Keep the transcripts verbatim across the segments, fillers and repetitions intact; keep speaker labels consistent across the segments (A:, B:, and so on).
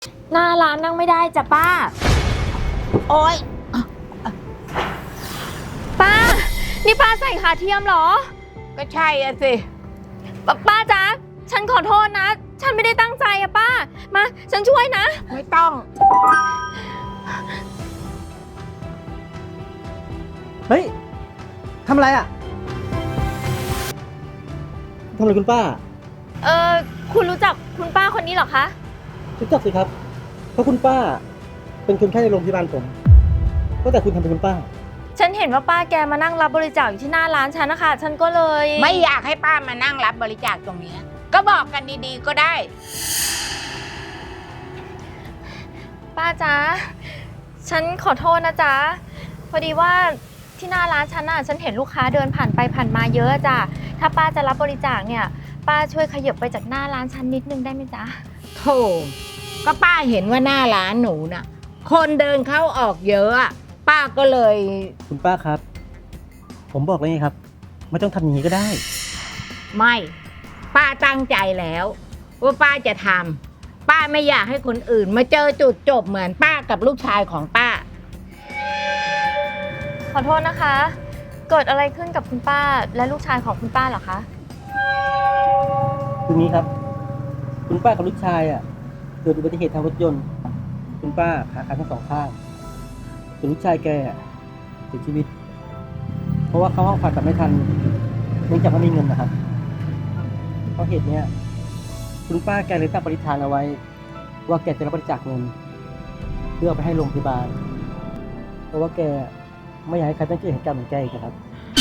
A: หน้าร้านนั่งไม่ได้จ้ะป้าโอ๊ยป้านี่ป้าใส่ขาเทียมเหรอ
B: ก็ใช่อะสิ
A: ป้าป้าจ๊ะฉันขอโทษนะฉันไม่ได้ตั้งใจอะป้ามาฉันช่วยนะ
B: ไม่ต้อง
C: เฮ้ยทำอะไรอ่ะทำอะไรคุณป้า
A: เออคุณรู้จักคุณป้าคนนี้เหรอคะ
C: รู้จักสิครับเพราะคุณป้าเป็นคนไข้ในโรงพยาบาลผมก็แต่คุณทำเป็นคุณป้า
A: ฉันเห็นว่าป้าแกมานั่งรับบริจาคอยู่ที่หน้าร้านฉันนะคะฉันก็เลย
B: ไม่อยากให้ป้ามานั่งรับบริจาคตรงนี้ก็บอกกันดีๆก็ได้
A: ป้าจ๊ะฉันขอโทษนะจ๊ะพอดีว่าที่หน้าร้านฉันน่ะฉันเห็นลูกค้าเดินผ่านไปผ่านมาเยอะจ้ะถ้าป้าจะรับบริจาคเนี่ยป้าช่วยขยับไปจากหน้าร้านฉันนิดนึงได้ไหมจ๊ะ
B: โธ่ก็ป้าเห็นว่าหน้าร้านหนูน่ะคนเดินเข้าออกเยอะป้าก็เลย
C: คุณป้าครับผมบอกเลยไงครับไม่ต้องทำอย่างนี้ก็ได้
B: ไม่ป้าตั้งใจแล้วว่าป้าจะทำป้าไม่อยากให้คนอื่นมาเจอจุดจบเหมือนป้ากับลูกชายของป้า
A: ขอโทษนะคะเกิดอะไรขึ้นกับคุณป้าและลูกชายของคุณป้าเหรอคะ
C: คือนี้ครับคุณป้ากับลูกชายอ่ะเกิดอุบัติเหตุทางรถยนต์คุณป้าขาขาดทั้งสองข้างส่วนลูกชายแกเสียชีวิตเพราะว่าเขาห้องผ่าตัดไม่ทันเนื่องจากไม่มีเงินนะครับเพราะเหตุนี้คุณป้าแกเลยตั้งปณิธานเอาไว้ว่าแกจะรับบริจาคเงินเพื่อเอาไปให้โรงพยาบาลเพราะว่าแกไม่อยากให้ใครต้องเจอเหตุการณ์เหมือนแกอีกนะครับ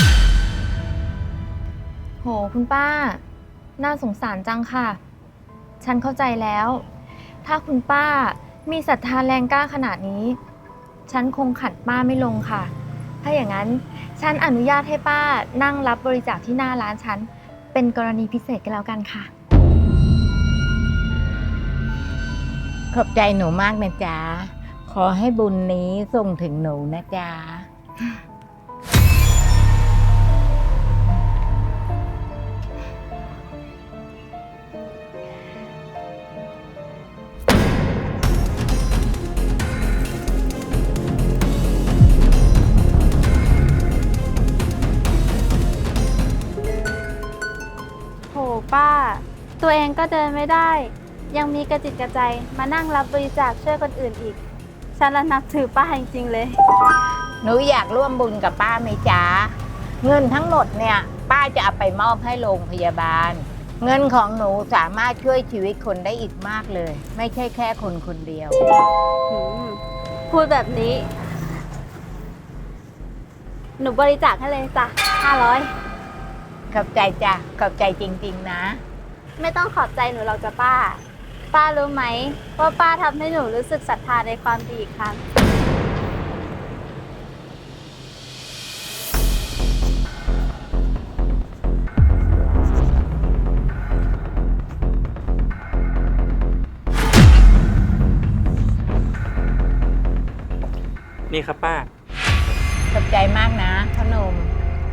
A: โหคุณป้าน่าสงสารจังค่ะฉันเข้าใจแล้วถ้าคุณป้ามีศรัทธาแรงกล้าขนาดนี้ฉันคงขัดป้าไม่ลงค่ะถ้าอย่างนั้นฉันอนุญาตให้ป้านั่งรับบริจาคที่หน้าร้านฉันเป็นกรณีพิเศษกันแล้วกันค่ะ
B: ขอบใจหนูมากนะจ๊ะขอให้บุญนี้ส่งถึงหนูนะจ๊ะ
D: โหป้าตัวเองก็เดินไม่ได้ยังมีกระจิตกระใจมานั่งรับบริจาคช่วยคนอื่นอีกฉันละนับถือป้าจริงๆเลย
B: หนูอยากร่วมบุญกับป้าไหมจ๊ะเงินทั้งหมดเนี่ยป้าจะเอาไปมอบให้โรงพยาบาลเงินของหนูสามารถช่วยชีวิตคนได้อีกมากเลยไม่ใช่แค่คนคนเดียว
D: พูดแบบนี้หนูบริจาคให้เลยจ้ะห้าร้อย
B: ขอบใจจ้ะขอบใจจริงๆนะ
D: ไม่ต้องขอบใจหนูหรอกจ้ะป้าป้ารู้ไหมว่าป้าทำให้หนูรู้สึกศรัทธาในความดีอีกครั้ง
E: นี่ครับป้า
B: ขอบใจมากนะขนม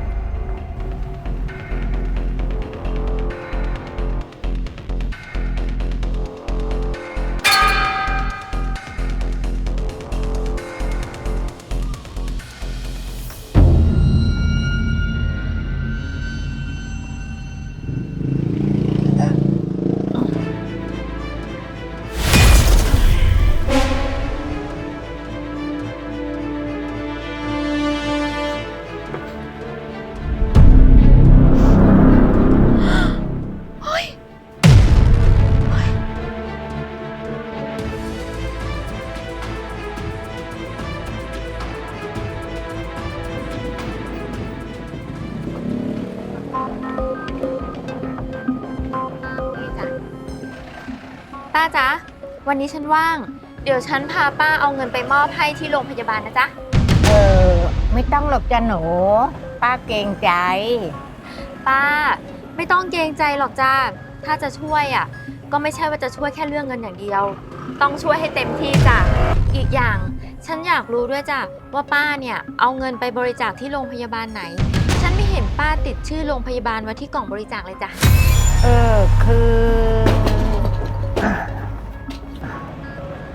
A: ป้าจ๊ะวันนี้ฉันว่างเดี๋ยวฉันพาป้าเอาเงินไปมอบให้ที่โรงพยาบาลนะจ๊ะ
B: เออไม่ต้องหรอกจ้ะหนูป้าเกรงใจ
A: ป้าไม่ต้องเกรงใจหรอกจ้าถ้าจะช่วยอ่ะก็ไม่ใช่ว่าจะช่วยแค่เรื่องเงินอย่างเดียวต้องช่วยให้เต็มที่จ้ะอีกอย่างฉันอยากรู้ด้วยจ้ะว่าป้าเนี่ยเอาเงินไปบริจาคที่โรงพยาบาลไหนฉันไม่เห็นป้าติดชื่อโรงพยาบาลไว้ที่กล่องบริจาคเลยจ้ะ
B: เออคือ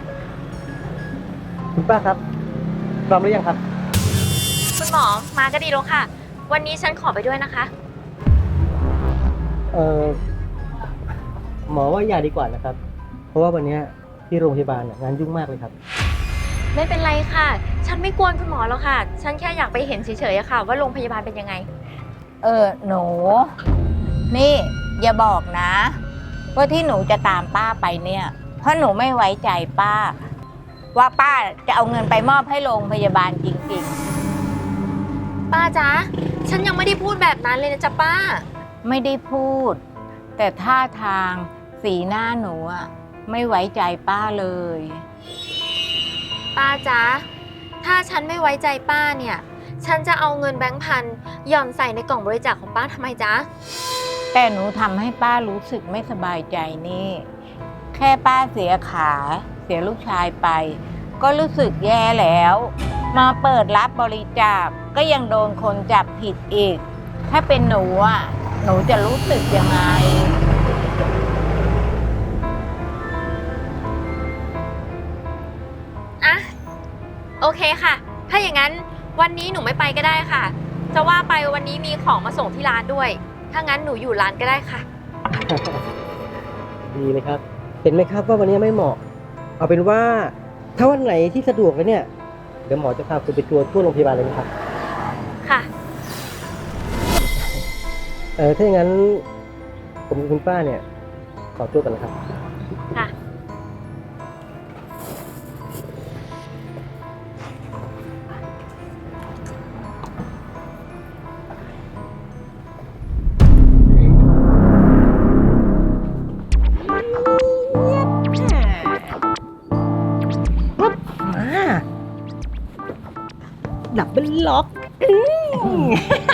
C: คุณป้าครับพร้อมหรือยังครับ
A: คุณหมอมาก็ดีแล้วค่ะ วันนี้ฉันขอไปด้วยนะคะ
C: เออหมอว่าอย่าดีกว่านะครับ เพราะว่าวันเนี้ยที่โรงพยาบาลน่ะงานยุ่งมากเลยครับ
A: ไม่เป็นไรค่ะ ฉันไม่กวนคุณหมอแล้วค่ะ ฉันแค่อยากไปเห็นเฉยๆอะค่ะ ว่าโรงพยาบาลเป็นยังไง
B: เออหนู นี่อย่าบอกนะ ว่าที่หนูจะตามป้าไปเนี่ย เพราะหนูไม่ไว้ใจป้า ว่าป้าจะเอาเงินไปมอบให้โรงพยาบาลจริง
A: ป้าจ๊ะ ฉันยังไม่ได้พูดแบบนั้นเลยนะจ๊ะป้า
B: ๆ ไม่ได้พูด แต่ท่าทางสีหน้าหนูอะไม่ไว้ใจป้าเลย
A: ป้าจ๊ะ ถ้าฉันไม่ไว้ใจป้าเนี่ย ฉันจะเอาเงินแบงค์พันหย่อนใส่ในกล่องบริจาคของป้าทำไมจ๊ะ
B: แต่หนูทำให้ป้ารู้สึกไม่สบายใจนี่ แค่ป้าเสียขาเสียลูกชายไป ก็รู้สึกแย่แล้ว มาเปิดรับบริจาคก็ยังโดนคนจับผิดอีก ถ้าเป็นหนูอ่ะ หนูจะรู้สึกยังไง
A: อ่ะ โอเคค่ะ ถ้าอย่างนั้นวันนี้หนูไม่ไปก็ได้ค่ะ จะว่าไปวันนี้มีของมาส่งที่ร้านด้วย ถ้างั้นหนูอยู่ร้านก็ได้ค่ะ
C: ดีเลยครับ เห็นไหมครับว่าวันนี้ไม่เหมาะ เอาเป็นว่าถ้าวันไหนที่สะดวกเลยเนี่ย เดี๋ยวหมอจะพาคุณไปทัวร์ทั่วโรงพยาบาลเลยนะครับ
A: ค่ะ
C: เออถ้าอย่างนั้นผมกับคุณป้าเนี่ย ขอตัวก่อนนะครับ
A: ค่ะ
C: มาดับเบิลล็อก
B: อืม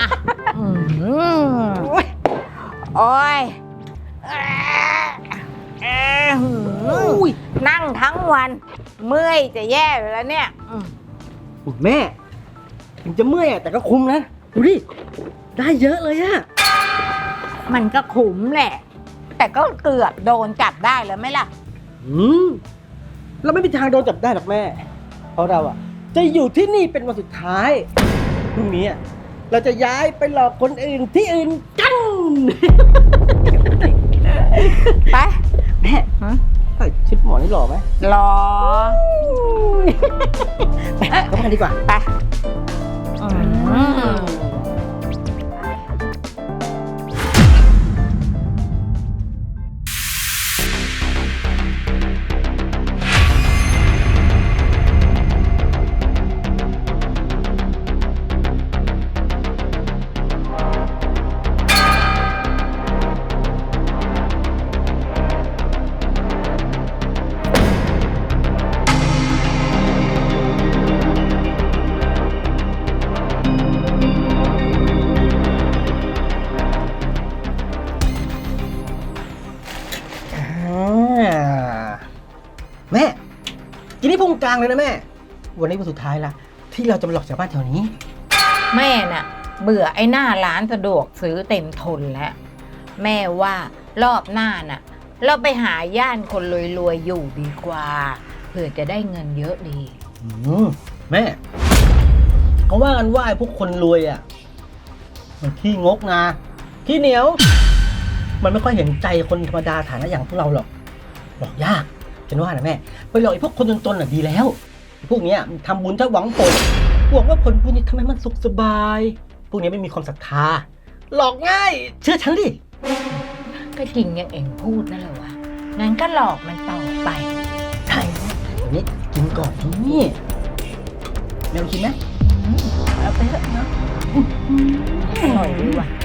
B: โอ้ยเอ่อหือนั่งทั้งวัน เมื่อยจะแย่อยู่แล้วเนี่ยอืม
C: อุ๊ยแม่ ถึงจะเมื่อยอะแต่ก็คุ้มนะ ดูดิ ได้เยอะเลยอะ
B: มันก็ขุมแหละ แต่ก็เกือบโดนจับได้แล้วไหมล่ะ
C: อืมเราไม่มีทางโดนจับได้หรอกแม่ เพราะเราอะจะอยู่ที่นี่เป็นวันสุดท้ายพรุ่งนี้อะเราจะย้ายไปหลอกคนอื่นที่อื่นกัน
B: ไป
C: แม่ใส่ชุดหมอนี่หล่อไหม
B: รอ
C: ไปเข้าบ้านดีกว่า
B: ไปอืม
C: อ่าแม่กินนี่พุงกลางเลยนะแม่ วันนี้วันสุดท้ายละที่เราจะมาหลอกชาวบ้านแถวนี้
B: แม่น่ะ เบื่อไอ้หน้าร้านสะดวกซื้อเต็มทนแล้ว แม่ว่ารอบหน้าน่ะ เราไปหาย่านคนรวยๆอยู่ดีกว่า เพื่อจะได้เงินเยอะดี
C: อืมแม่เขาว่ากันว่าไอ้พวกคนรวยอ่ะ มันขี้งกนะขี้เหนียว มันไม่ค่อยเห็นใจคนธรรมดาฐานะอย่างพวกเราหรอกหลอกยากฉันว่านะแม่ไปหลอกไอ้พวกคนจนๆน่ะดีแล้วไอ้พวกเนี้ยมันทำบุญถ้าหวังผลหวังว่าผลบุญนี้ทำให้มันสุขสบาย พวกนี้ไม่มีความศรัทธาหลอกง่าย เชื่อฉันดิ
B: ก็จริงอย่างเองพูดนั่นแหละวะงั้นก็หลอกมันต่อไป
C: ใช่เดี๋ยวนี้กินก่อนนี่แมวกินไหม
B: อืมเอาไปเถอะเนาะอร่อยดีว่ะ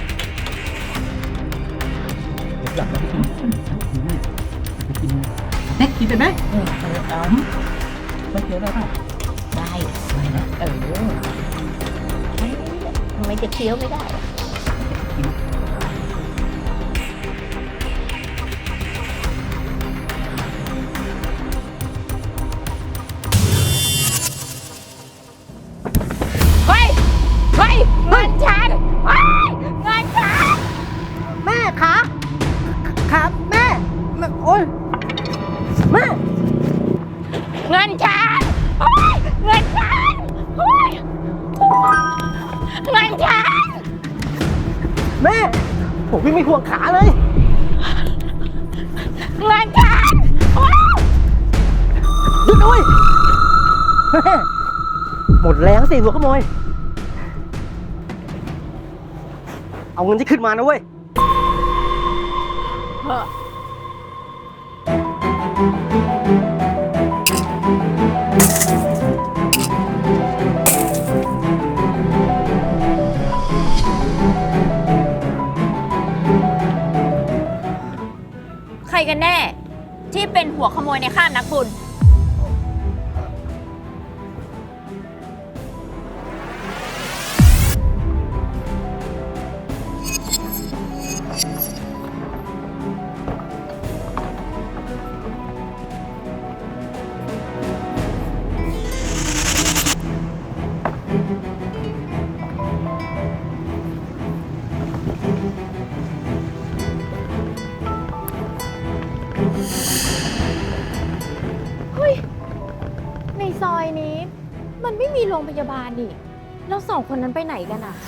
C: เดี๋ยวกลับมากินไปกินแม่กินไปไหม
B: อืมเอาเอา
C: ไม่เคี้ยวได้ป่ะ
B: ได้ไปนะเออทำไมจะเคี้ยวไม่ได้อะ เฮ้ย เฮ้ยเงินฉันเฮ้ยเงินฉัน
C: แม่คะครับแม่แม่โอ้ยแม่
B: เงินฉันโอ๊ยเงินฉันโอ๊ยเงินฉัน
C: แม่ ผมวิ่งไม่ห่วงขาเลย
B: เงินฉันโอ๊ย
C: หยุดด้วยแม่หมดแรงสิหัวขโมย เอาเงินที่ขึ้นมานะเว้ย
A: ใครกันแน่ ที่เป็นหัวขโมยในข้ามนักบุญ ในซอยนี้มันไม่มีโรงพยาบาลนี่แล้วสองคนนั้นไปไหนกันอะ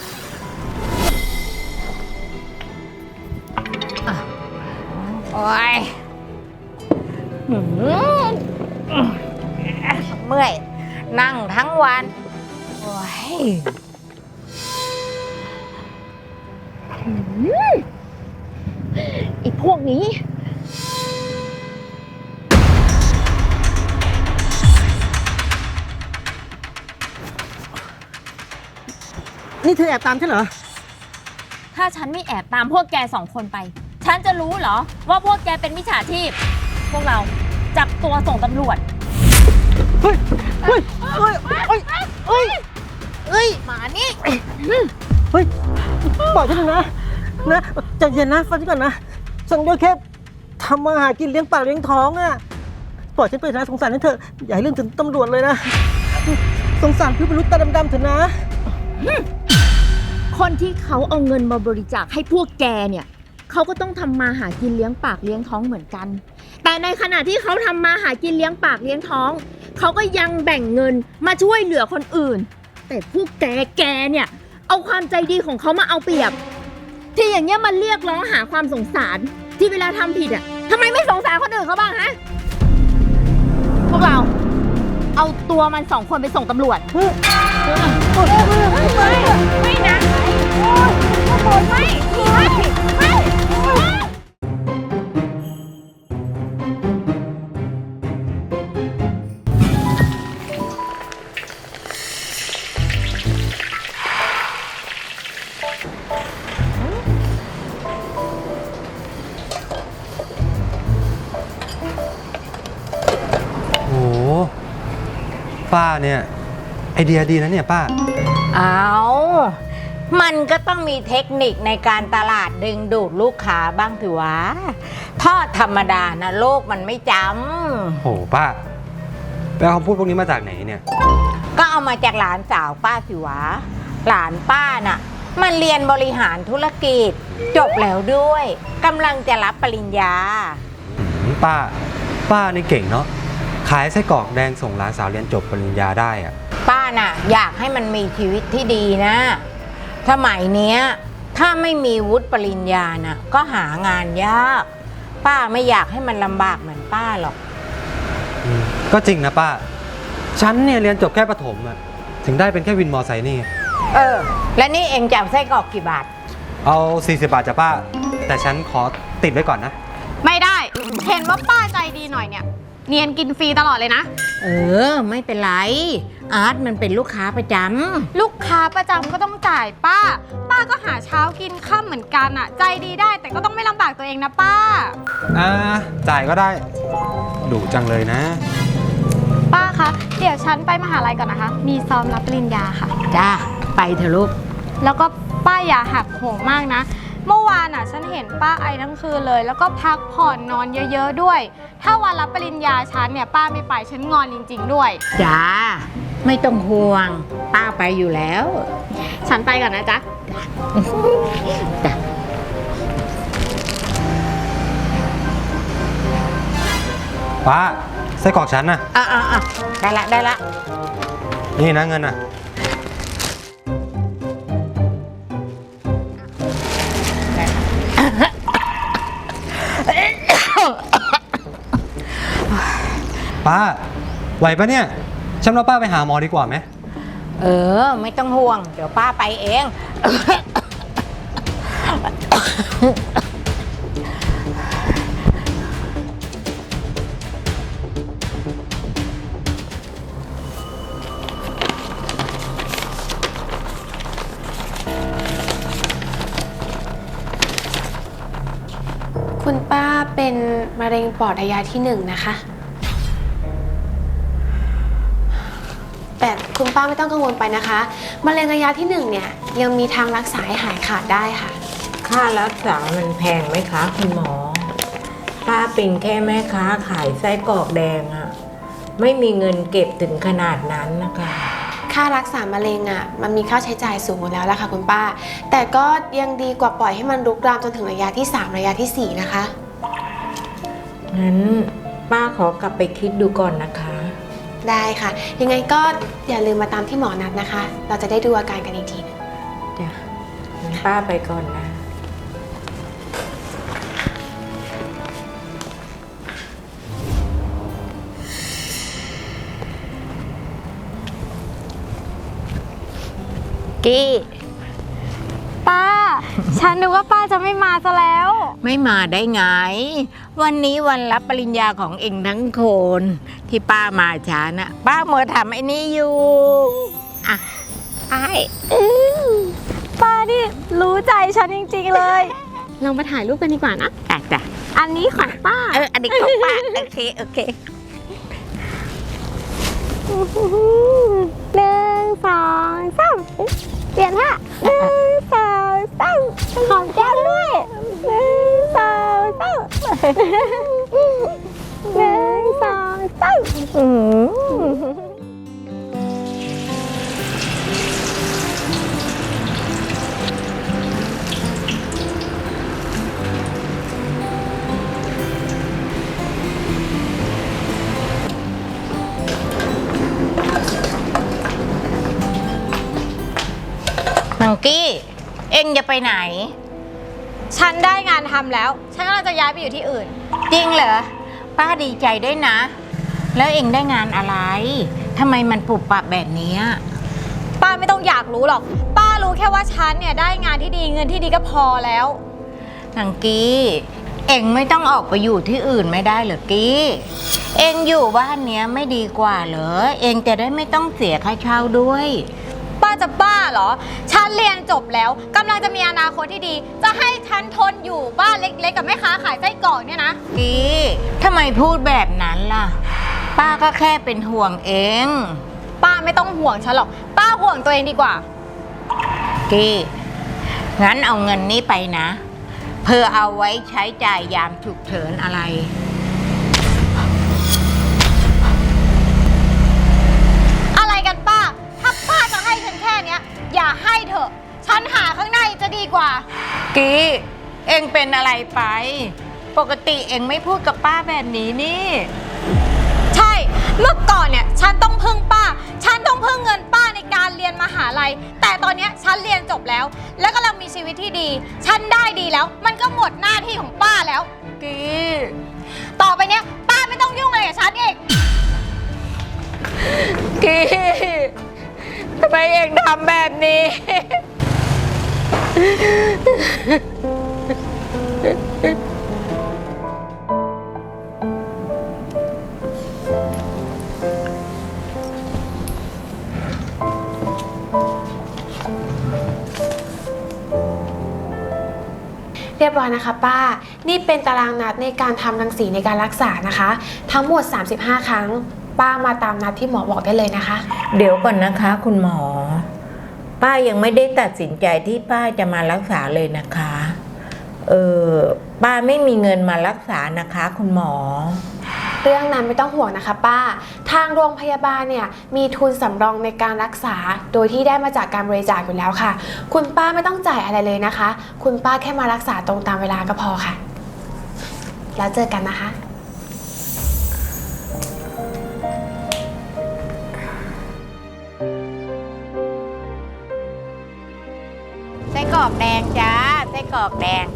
B: โอ๊ยหืมเมื่อย นั่งทั้งวัน โอ๊ย
A: ไอ้พวกนี้
C: นี่เธอแอบตามฉันเหรอ
A: ถ้าฉันไม่แอบตามพวกแกสองคนไป ฉันจะรู้เหรอว่าพวกแกเป็นมิจฉาชีพ พวกเราจับตัวส่งตำรวจ
C: เฮ้ย เฮ้ย เฮ้ย เฮ้ย เฮ้ย
B: เอ้ยหมานี่
C: เฮ้ย ปล่อยฉันหน่อยนะ นะใจเย็นนะฟังฉันก่อนนะ ฉันก็แค่ทำมาหากินเลี้ยงปากเลี้ยงท้องอะปล่อยฉันไปนะสงสารฉันเถอะ อย่าให้เรื่องถึงตำรวจเลยนะ สงสารพี่มนุษย์ตาดำๆเถอะนะ
A: คนที่เขาเอาเงินมาบริจาคให้พวกแกเนี่ยเขาก็ต้องทำมาหากินเลี้ยงปากเลี้ยงท้องเหมือนกัน แต่ในขณะที่เขาทำมาหากินเลี้ยงปากเลี้ยงท้องเขาก็ยังแบ่งเงินมาช่วยเหลือคนอื่น แต่พวกแกแกเนี่ยเอาความใจดีของเขามาเอาเปรียบ ที่อย่างเงี้ยมันเรียกร้องหาความสงสารที่เวลาทำผิดอ่ะทำไมไม่สงสารคนอื่นเขาบ้างฮะพวกเราเอาตัวมันสองคนไปส่งตำรวจ ไม่นะไม่ไม่ไม่ไม่
E: โอ้โหป้าเนี่ยไอเดียดีนะเนี่ยป้า
B: เอามันก็ต้องมีเทคนิคในการตลาดดึงดูดลูกค้าบ้างถือวะทอดธรรมดานะโลกมันไม่จ
E: โหป้าไปเอาคำพูดพวกนี้มาจากไหนเนี่ย
B: ำก็เอามาจากหลานสาวป้าสิวะ หลานป้าน่ะ มันเรียนบริหารธุรกิจ จบแล้วด้วยกำลังจะรับปริญญา
E: อืมป้า ป้านี่เก่งเนาะขายไส้กรอกแดงส่งหลานสาวเรียนจบปริญญาได้อะ
B: ป้าน่ะอยากให้มันมีชีวิตที่ดีนะ สมัยเนี้ยถ้าไม่มีวุฒิปริญญาน่ะก็หางานยาก ป้าไม่อยากให้มันลำบากเหมือนป้าหรอก
E: อืมก็จริงนะป้า ฉันเนี่ยเรียนจบแค่ประถมอะถึงได้เป็นแค่วินมอไซค์นี่
B: เออ และนี่เองจะเอาไส้กรอกกี่บาท
E: เอาสี่สิบบาทจ้ะป้า แต่ฉันขอติดไว้ก่อนนะ
D: ไม่ได้ เห็นว่าป้าใจดีหน่อยเนี่ย เนียนกินฟรีตลอดเลยนะ
B: เออ ไม่เป็นไร อาร์ตมันเป็นลูกค้าประจ
D: ลูกค้าประจำก็ต้องจ่ายป้า ป้าก็หาเช้ากินค่ำเหมือนกันอะใจดีได้แต่ก็ต้องไม่ลำบากตัวเองนะป้า
E: อ่า จ่ายก็ได้ดุจังเลยนะ
D: ป้าคะ เดี๋ยวฉันไปมหาลัยก่อนนะคะ มีซ้อมรับปริญญาค่ะ
B: ำจ้า ไปเถอะลูก
D: แล้วก็ป้าอย่าหักโหมมากนะ เมื่อวานอ่ะฉันเห็นป้าไอทั้งคืนเลย แล้วก็พักผ่อนนอนเยอะๆด้วย ถ้าวันรับปริญญาฉันเนี่ยป้าไม่ไปฉันงอนจริงๆด้วย
B: จ้า ไม่ต้องห่วง ป้าไปอยู่แล้ว
D: ฉันไปก่อนนะจ๊ะ
B: จ้ะ
E: ป้าไส้กรอกฉันนะ
B: อ่ะอ่ะอ่ะได้ละได้ละ
E: นี่นะเงินน่ะ ป้า ไหวปะเนี่ย ฉันเอาป้าไปหาหมอดีกว่าไหม
B: เออ ไม่ต้องห่วง เดี๋ยวป้าไปเอง
F: คุณป้าเป็นมะเร็งปอดระยะที่หนึ่งนะคะ แต่คุณป้าไม่ต้องกังวลไปนะคะมะเร็งระยะที่หนึ่งเนี่ยยังมีทางรักษาให้หายขาดได้ค่ะ
B: ค่ารักษามันแพงไหมคะคุณหมอ ป้าเป็นแค่แม่ค้าขายไส้กรอกแดงอะไม่มีเงินเก็บถึงขนาดนั้นนะคะ
F: ค่ารักษามะเร็งอ่ะมันมีค่าใช้จ่ายสูงอยู่แล้วล่ะค่ะคุณป้า แต่ก็ยังดีกว่าปล่อยให้มันรุกรามจนถึงระยะที่สามระยะที่สี่นะคะ
B: งั้นป้าขอกลับไปคิดดูก่อนนะคะ
F: ได้ค่ะ ยังไงก็อย่าลืมมาตามที่หมอนัดนะคะ เราจะได้ดูอาการกันอีกทีหนึง
B: จ้ะงั้นป้าไปก่อนนะ กี้
D: ป้า ฉันนึกว่าป้าจะไม่มาซะแล้ว
B: ไม่มาได้ไง วันนี้วันรับปริญญาของเองทั้งคน ที่ป้ามาช้านะป้าเมื่อทำไอ้นี่อยู่ อ่ะไอ้
D: ป้านี่รู้ใจฉันจริงๆเลย เรามาถ่ายรูปกันดีกว่านะ
B: อ่ะจ้ะ
D: อันนี้ของป้า
B: เอออันนี้ของป้า โอเค โอเค
D: หนึ่งสองสามเปลี่ยนท่าหนึ่งสองสามหอมแก้มด้วยหนึ่งสองสามหนึ่งสองสามอืม
B: มังกี้ เอ็งจะไปไหน
D: ฉันได้งานทำแล้ว ฉันกำลังจะย้ายไปอยู่ที่อื่น
B: จริงเหรอ ป้าดีใจด้วยนะ แล้วเอ็งได้งานอะไรทำไมมันปุบปับแบบนี้
D: ป้าไม่ต้องอยากรู้หรอก ป้ารู้แค่ว่าฉันเนี่ยได้งานที่ดีเงินที่ดีก็พอแล้ว
B: มังกี้ เอ็งไม่ต้องออกไปอยู่ที่อื่นไม่ได้เหรอกี้ เอ็งอยู่บ้านเนี้ยไม่ดีกว่าเหรอ เอ็งจะได้ไม่ต้องเสียค่าเช่าด้วย
D: ป้าจะบ้าเหรอ ฉันเรียนจบแล้วกำลังจะมีอนาคตที่ดี จะให้ฉันทนอยู่บ้านเล็กๆกับแม่ค้าขายไส้กรอกเนี่ยนะ
B: กี้ทำไมพูดแบบนั้นล่ะ ป้าก็แค่เป็นห่วงเอง
D: ป้าไม่ต้องห่วงฉันหรอก ป้าห่วงตัวเองดีกว่า
B: กี้งั้นเอาเงินนี้ไปนะเพื่อเอาไว้ใช้จ่ายยามฉุกเฉินอะไร
D: อะไรกันป้า ถ้าป้าจะให้ฉันแค่เนี้ย อย่าให้เถอะ ฉันหาข้างในจะดีกว่า
B: กี้เอ็งเป็นอะไรไป ปกติเอ็งไม่พูดกับป้าแบบนี้นี่
D: ใช่ เมื่อก่อนเนี่ยฉันต้องพึ่งป้า ฉันต้องพึ่งเงินป้าในการเรียนมหาลัย แต่ตอนเนี้ยฉันเรียนจบแล้ว แล้วกำลังมีชีวิตที่ดี ฉันได้ดีแล้ว มันก็หมดหน้าที่ของป้าแล้ว
B: กี้
D: ต่อไปเนี้ยป้าไม่ต้องยุ่งอะไรกับฉันอีก
B: กี้ทำไมเอ็งทำแบบนี้
F: เรียบร้อยนะคะป้า นี่เป็นตารางนัดในการทำรังสีในการรักษานะคะ ทั้งหมดสามสิบห้าครั้ง ป้ามาตามนัดที่หมอบอกได้เลยนะคะ
B: เดี๋ยวก่อนนะคะ คุณหมอ ป้ายังไม่ได้ตัดสินใจที่ป้าจะมารักษาเลยนะคะ เออป้าไม่มีเงินมารักษานะคะ คุณหมอ
F: เรื่องนั้นไม่ต้องห่วงนะคะป้า ทางโรงพยาบาลเนี่ยมีทุนสำรองในการรักษา โดยที่ได้มาจากการบริจาคอยู่แล้วค่ะ คุณป้าไม่ต้องจ่ายอะไรเลยนะคะ คุณป้าแค่มารักษาตรงตามเวลาก็พอค่ะ แล้วเจอกันนะคะ
B: รอกแดงจ้าไส้กรอกแดง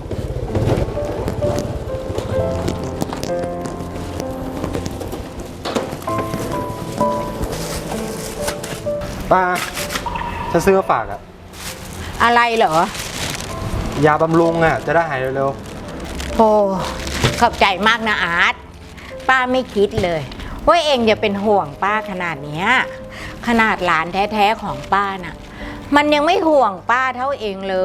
E: ป้าฉันซื้อมาฝากอะ
B: อะไรเหรอ
E: ยาบำรุงอะจะได้หายเร็ว
B: โอ้ขอบใจมากนะอาร์ตป้าไม่คิดเลยว่าเองจะเป็นห่วงป้าขนาดเนี้ยขนาดหลานแท้ๆของป้าน่ะ มันยังไม่ห่วงป้าเท่าเองเลย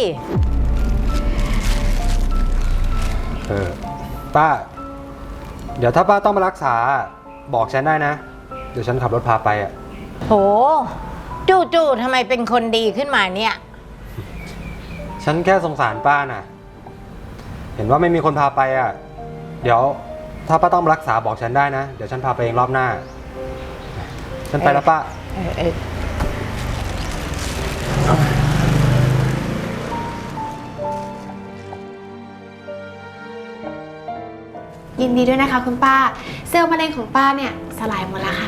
E: ๆเออป้า เดี๋ยวถ้าป้าต้องมารักษาบอกฉันได้นะ เดี๋ยวฉันขับรถพาไปอะ
B: โหจู่ๆทำไมเป็นคนดีขึ้นมาเนี่ย
E: ฉันแค่สงสารป้าน่ะ เห็นว่าไม่มีคนพาไปอะเดี๋ยวถ้าป้าต้องมารักษาบอกฉันได้นะ เดี๋ยวฉันพาไปเองรอบหน้า ฉันไปแล้วป้า
B: เออเออ
F: ยินดีด้วยนะคะคุณป้า เซลล์มะเร็งของป้าเนี่ยสลายหมดแล้วค่ะ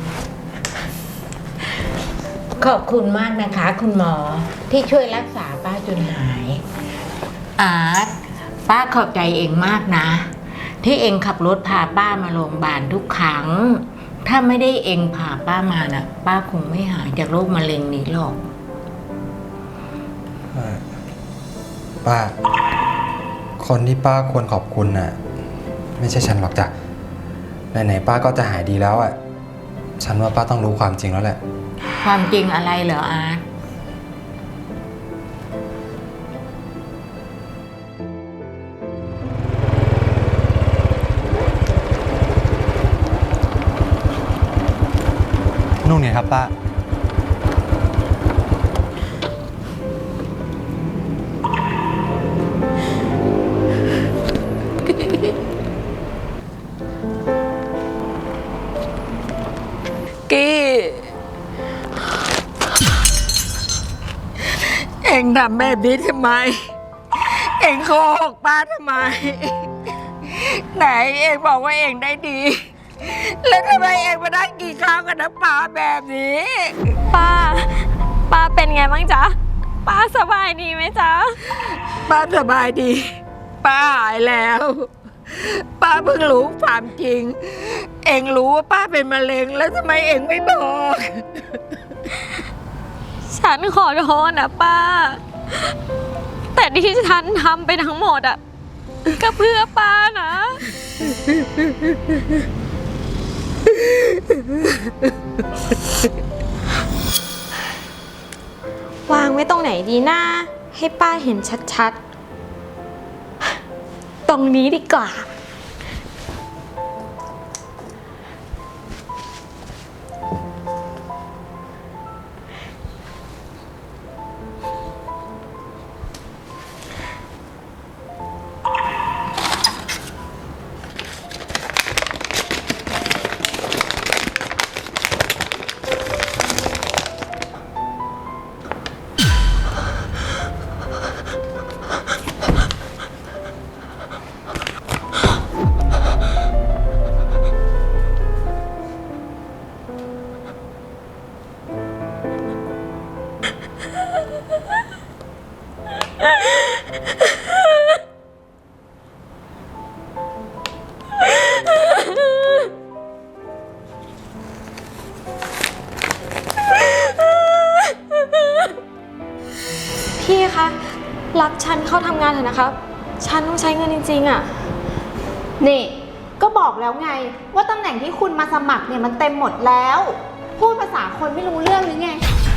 B: ขอบคุณมากนะคะ คุณหมอที่ช่วยรักษาป้าจนหาย อาร์ตป้าขอบใจเองมากนะ ที่เองขับรถพาป้ามาโรงพยาบาลทุกครั้ง ถ้าไม่ได้เองพาป้ามาน่ะ ป้าคงไม่หายจากโรคมะเร็งนี้หรอก
E: ป้า คนที่ป้าควรขอบคุณน่ะ ไม่ใช่ฉันหรอกจ้ะไหนๆป้าก็จะหายดีแล้วอ่ะ ฉันว่าป้าต้องรู้ความจริงแล้วแหละ
B: ความจริงอะไรเหรออาร์ต
E: นู่นไงครับป้า
B: กี้เอ็งทำแบบนี้ทำไม เอ็งโกหกป้าทำไม ไหนเอ็งบอกว่าเอ็งได้ดี แล้วทำไมเอ็งมาได้กินข้าวกับน้ำปลาแบบนี้
D: ป้า ป้าเป็นไงบ้างจ๊ะ ป้าสบายดีไหมจ๊ะ
B: ป้าสบายดี ป้าหายแล้ว ป้าเพิ่งรู้ความจริง เอ็งรู้ว่าป้าเป็นมะเร็งแล้วทำไมเอ็งไม่บอก
D: ฉันขอโทษนะป้า แต่ที่ฉันทำไปทั้งหมดอ่ะ ก็เพื่อป้านะ วางไว้ตรงไหนดีนะ ให้ป้าเห็นชัดๆ ตรงนี้ดีกว่า พี่คะ รับฉันเข้าทำงานเถอะนะคะ ฉันต้องใช้เงินจริงๆอ่ะ
G: นี่ก็บอกแล้วไงว่าตำแหน่งที่คุณมาสมัครเนี่ยมันเต็มหมดแล้ว พูดภาษาคนไม่รู้เรื่องหรือไง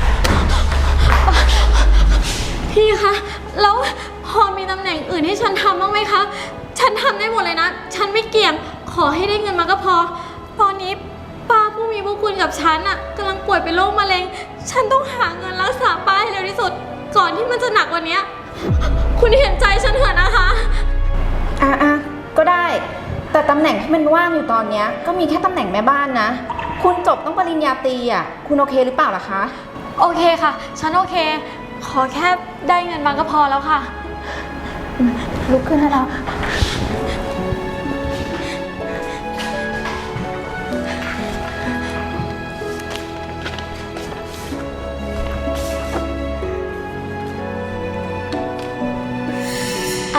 D: พี่คะ แล้วพอมีตำแหน่งอื่นให้ฉันทำบ้างไหมคะ ฉันทำได้หมดเลยนะ ฉันไม่เกี่ยง ขอให้ได้เงินมาก็พอ ตอนนี้ป้าผู้มีพระคุณกับฉันอ่ะกำลังป่วยเป็นโรคมะเร็ง ฉันต้องหาเงินรักษาป้าให้เร็วที่สุด ก่อนที่มันจะหนักกว่านี้ คุณเห็นใจฉันเถอะนะคะ
G: อ่ะอ่ะก็ได้ แต่ตำแหน่งที่มันว่างอยู่ตอนเนี้ยก็มีแค่ตำแหน่งแม่บ้านนะ คุณจบต้องปริญญาตรีอ่ะ คุณโอเคหรือเปล่าล่ะคะ
D: โอเคค่ะ ฉันโอเค ขอแค่ได้เงินมาก็พอแล้วค่ะ
G: ลุกขึ้นให้เรา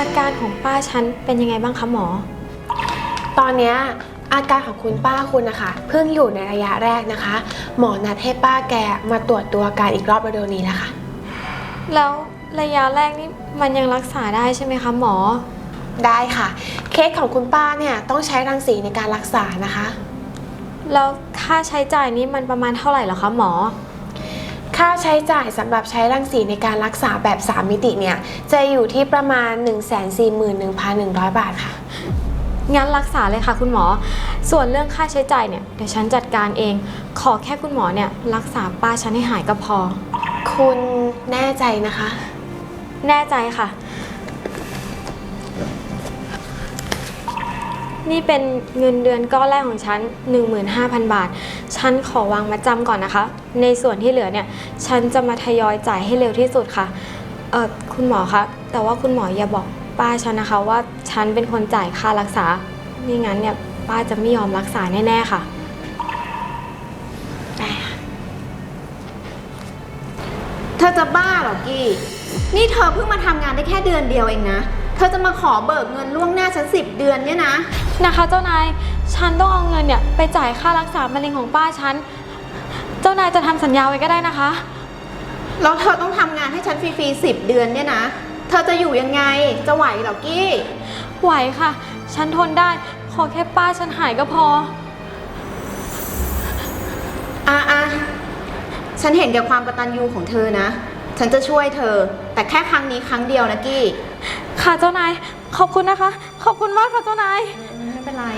D: อาการของป้าฉันเป็นยังไงบ้างคะหมอ
F: ตอนเนี้ยอาการของคุณป้าคุณนะคะเพิ่งอยู่ในระยะแรกนะคะ หมอนัดให้ป้าแกมาตรวจตัวอาการอีกรอบเร็วๆนี้แล้วค่ะ
D: แล้วระยะแรกนี่มันยังรักษาได้ใช่ไหมคะหมอ
F: ได้ค่ะ เคสของคุณป้าเนี่ยต้องใช้รังสีในการรักษานะคะ
D: แล้วค่าใช้จ่ายนี้มันประมาณเท่าไหร่เหรอคะหมอ
F: ค่าใช้จ่ายสำหรับใช้รังสีในการรักษาแบบสามมิติเนี่ยจะอยู่ที่ประมาณ หนึ่งแสนสี่หมื่นหนึ่งพันหนึ่งร้อย บาทค่ะ
D: งั้นรักษาเลยค่ะคุณหมอ ส่วนเรื่องค่าใช้จ่ายเนี่ยเดี๋ยวฉันจัดการเอง ขอแค่คุณหมอเนี่ยรักษาป้าฉันให้หายก็พอ
F: คุณแน่ใจนะคะ
D: แน่ใจค่ะ นี่เป็นเงินเดือนก้อนแรกของฉัน หนึ่งหมื่นห้าพัน บาท ฉันขอวางมาจำก่อนนะคะ ในส่วนที่เหลือเนี่ยฉันจะมาทยอยจ่ายให้เร็วที่สุดค่ะ เออคุณหมอคะ แต่ว่าคุณหมออย่าบอกป้าฉันนะคะว่าฉันเป็นคนจ่ายค่ารักษาไม่งั้นเนี่ยป้าจะไม่ยอมรักษาแน่ๆค่ะ
G: เธอจะบ้าเหรอกี้นี่เธอเพิ่งมาทำงานได้แค่เดือนเดียวเองนะ เธอจะมาขอเบิกเงินล่วงหน้าฉันสิบเดือนเนี่ยนะ
D: นะคะเจ้านาย ฉันต้องเอาเงินเนี่ยไปจ่ายค่ารักษามะเร็งของป้าฉัน เจ้านายจะทำสัญญาไว้ก็ได้นะคะ
G: แล้วเธอต้องทำงานให้ฉันฟรีๆสิบเดือนเนี่ยนะ เธอจะอยู่ยังไง จะไหวเหรอกี้
D: ไหวค่ะ ฉันทนได้ ขอแค่ป้าฉันหายก็พอ
G: อ่ะอ่ะฉันเห็นแก่ความกตัญญูของเธอนะ ฉันจะช่วยเธอ แต่แค่ครั้งนี้ครั้งเดียวนะกี้
D: ค่ะเจ้านาย ขอบคุณนะคะ ขอบคุณมากค่ะเจ้านาย
G: ไม่เป็นไร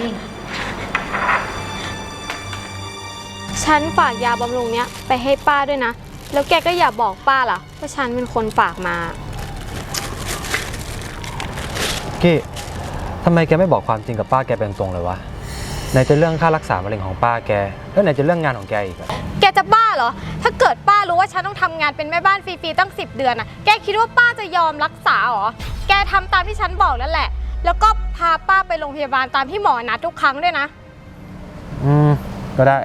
D: ฉันฝากยาบำรุงเนี้ยไปให้ป้าด้วยนะ แล้วแกก็อย่าบอกป้าล่ะว่าฉันเป็นคนฝากมา
E: กี้ทำไมแกไม่บอกความจริงกับป้าแกเป็นตรงเลยวะไหนจะเรื่องค่ารักษามะเร็งของป้าแกแล้วไหนจะเรื่องงานของแกอีกอะ
D: แกจะบ้าเหรอ ถ้าเกิดป้ารู้ว่าฉันต้องทำงานเป็นแม่บ้านฟรีๆตั้งสิบเดือนน่ะ แกคิดว่าป้าจะยอมรักษาเหรอ แกทำตามที่ฉันบอกนั่นแหละ แล้วก็พาป้าไปโรงพยาบาลตามที่หมอนัดทุกครั้งด้วยนะ
E: อืมก็ได้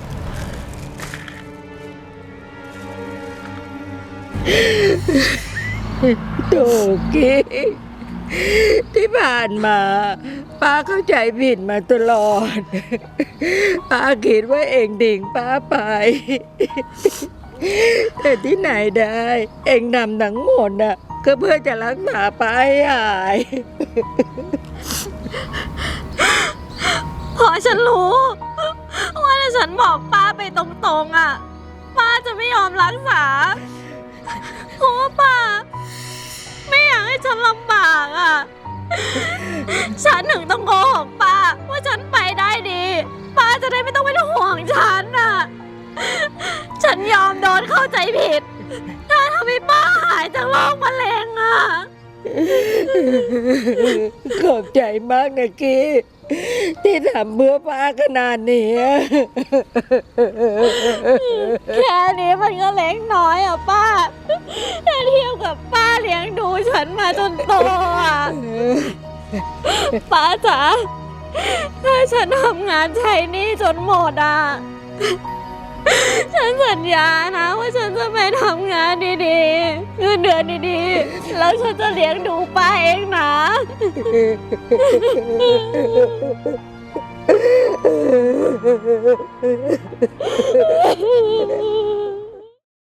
H: โถกี้ที่ผ่านมา ป้าเข้าใจผิดมาตลอด ป้าคิดว่าเองดิ่งป้าไป แต่ที่ไหนได้ เองนำทั้งหมดน่ะก็เพื่อจะรักษาป้าให้หาย
D: พอฉันรู้ว่าถ้าฉันบอกป้าไปตรงๆอ่ะ ป้าจะไม่ยอมรักษา เพราะว่าป้า ไม่อยากให้ฉันลำบากอ่ะ ฉันถึงต้องโกหกป้าว่าฉันไปได้ดี ป้าจะได้ไม่ต้องเป็นห่วงฉันอ่ะ ฉันยอมโดนเข้าใจผิด ถ้าทำให้ป้าหายจากโรคมะเร็งอ่ะ
H: ขอบใจมากนะกี้ที่ทำเพื่อป้าขนาดนี้
D: แค่นี้มันก็เล็กน้อยอ่ะป้าถ้าเทียบกับป้าเลี้ยงดูฉันมาจนโตอ่ะ ป้าจ๋าถ้าฉันทำงานใช้หนี้จนหมดอ่ะ ฉันสัญญานะว่าฉันจะไปทำงานดีๆเงินเดือนดีๆ แล้วฉันจะเลี้ยงดูป้าเองนะ
H: เ